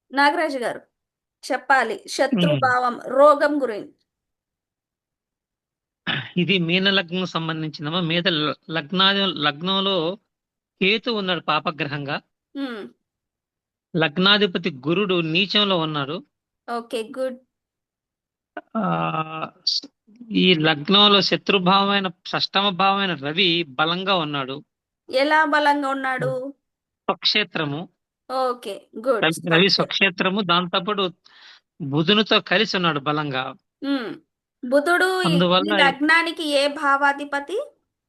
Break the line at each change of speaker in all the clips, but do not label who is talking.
నాగరాజు గారు చెప్పాలి.
ఉమ్.
శత్రుభావం, రోగం గురించి.
ఇది మీన లగ్నం సంబంధించిందమ్మా. మీద లగ్నంలో కేతు ఉన్నాడు పాపగ్రహంగా.
హ్మ్.
లగ్నాధిపతి గురుడు నీచంలో ఉన్నాడు.
ఓకే. గుడ్.
ఆ ఈ లగ్నంలో శత్రుభావమైన షష్టమ భావమైన రవి బలంగా ఉన్నాడు.
ఎలా బలంగా ఉన్నాడు?
స్వక్షేత్రము.
ఓకే. గుడ్.
రవి స్వక్షేత్రము, దాంతోపాటు బుధునితో కలిసి ఉన్నాడు బలంగా.
హ్మ్. బుధుడు ఈ
అందువల్ల
లగ్నానికి ఏ భావాధిపతి?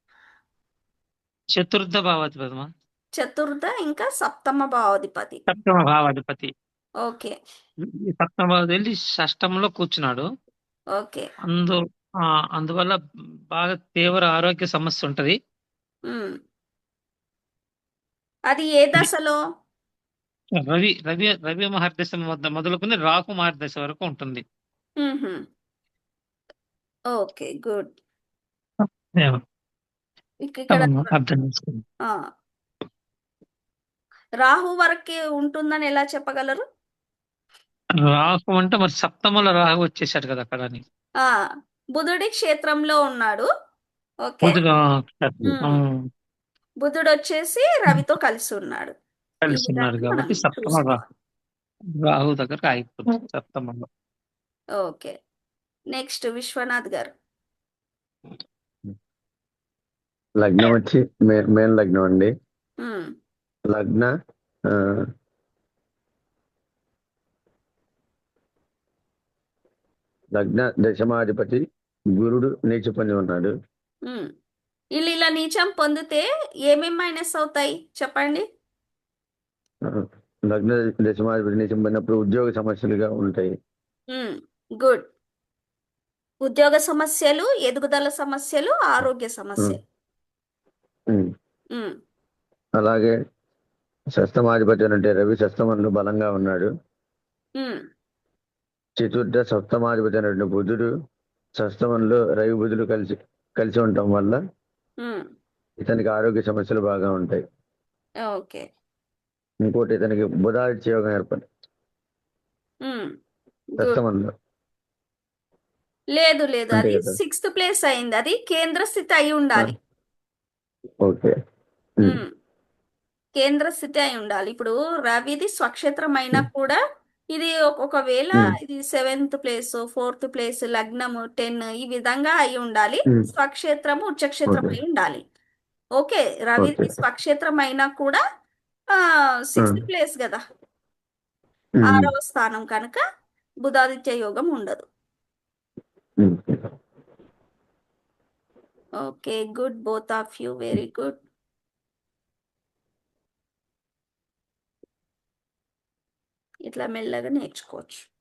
చతుర్థ భావాధిపతి,
చతుర్థ ఇంకా సప్తమ భావాధిపతి.
సప్తమ భావాధిపతి.
ఓకే.
ఈ సప్తమ భావాధిపతి వెళ్ళి షష్టంలో కూర్చున్నాడు.
ఓకే.
అందు ఆ, అందువల్ల బాగా తీవ్ర ఆరోగ్య సమస్య ఉంటది.
హ్మ్. అది ఏ
ఇది
దశలో?
రవి రవి రవి మహర్దశ వద్ద మొదలుకొని రాహు మహర్దశ వరకు ఉంటుంది.
హుహు. ఓకే. గుడ్.
ఏమో,
ఇక్కడ
అర్థం చేసుకుంది.
ఆ! రాహు వరకే ఉంటుందని ఎలా చెప్పగలరు?
రాహు అంటే మరి సప్తమలో రాహు వచ్చేసాడు కదా అక్కడ అని.
ఆ! బుధుడి క్షేత్రంలో ఉన్నాడు. ఓకే.
బుధుడు
హ్మ్. బుధుడొచ్చేసి రవితో కలిసి ఉన్నాడు. ఈ
కలిసి ఉన్నాడు
విధంగా మనం
కాబట్టి సప్తమ
చూసుకోవాలి.
రాహు దగ్గర ఆగిపోతుంది సప్తమంలో.
ఓకే. నెక్స్ట్ విశ్వనాథ్ గారు.
లగ్నం వచ్చి మేన్ లగ్నం అండి.
హ్మ్.
లగ్న ఆ, లగ్న దశమాధిపతి గురుడు నీచ పొంది ఉన్నాడు.
హ్మ్. ఈళ్ళు ఇలా నీచం పొందితే ఏమేం మైనస్ అవుతాయి చెప్పండి?
ఆ, లగ్న దశమాధిపతి నీచం పొందినప్పుడు ఉద్యోగ సమస్యలుగా ఉంటాయి.
హ్మ్. గుడ్. ఉద్యోగ సమస్యలు, ఎదుగుదల సమస్యలు, ఆరోగ్య
ఉమ్,
సమస్యలు.
ఉమ్.
హ్మ్.
అలాగే షష్టమాధిపతి అంటే రవి షష్టమంలో బలంగా ఉన్నాడు.
హ్మ్.
చతుర్థ సప్తమాధిపతి అయినటువంటి బుధుడు షష్టమంలో రవి బుధుడు కలిసి కలిసి ఉండటం వల్ల
హ్మ్.
ఇతనికి ఆరోగ్య సమస్యలు బాగా ఉంటాయి.
ఓకే.
ఇంకోటి ఇతనికి బుధాదిత్య యోగం ఏర్పడి
హ్మ్. గుడ్.
షష్టమంలో
లేదు. లేదు.
అంతే
అది
కదా.
సిక్స్త్ ప్లేస్ అయింది. అది కేంద్ర స్థితి అయి
ఆ,
ఉండాలి.
ఓకే. ఉమ్,
హ్మ్. కేంద్ర స్థితి అయి ఉండాలి. ఇప్పుడు రవిది స్వక్షేత్రం అయినా
ఉమ్,
కూడా ఇది ఒకవేళ
ఉమ్,
ఇది సెవెంత్ ప్లేస్, ఫోర్త్ ప్లేస్, లగ్నము 10 ఈ విధంగా అయి ఉండాలి.
ఉమ్.
స్వక్షేత్రము, ఉచ్చక్షేత్రం
ఓకే.
అయి ఉండాలి. ఓకే.
ఓకే.
రవిది స్వక్షేత్రం అయినా కూడా ఆ
ఆ,
సిక్స్త్ ప్లేస్ కదా!
ఉమ్,
6వ స్థానం కనుక బుధాదిత్య యోగం ఉండదు.
ఉమ్.
Okay. Good. Both of you. Very good. ఇట్లా మెల్లగా నేర్చుకోవచ్చు.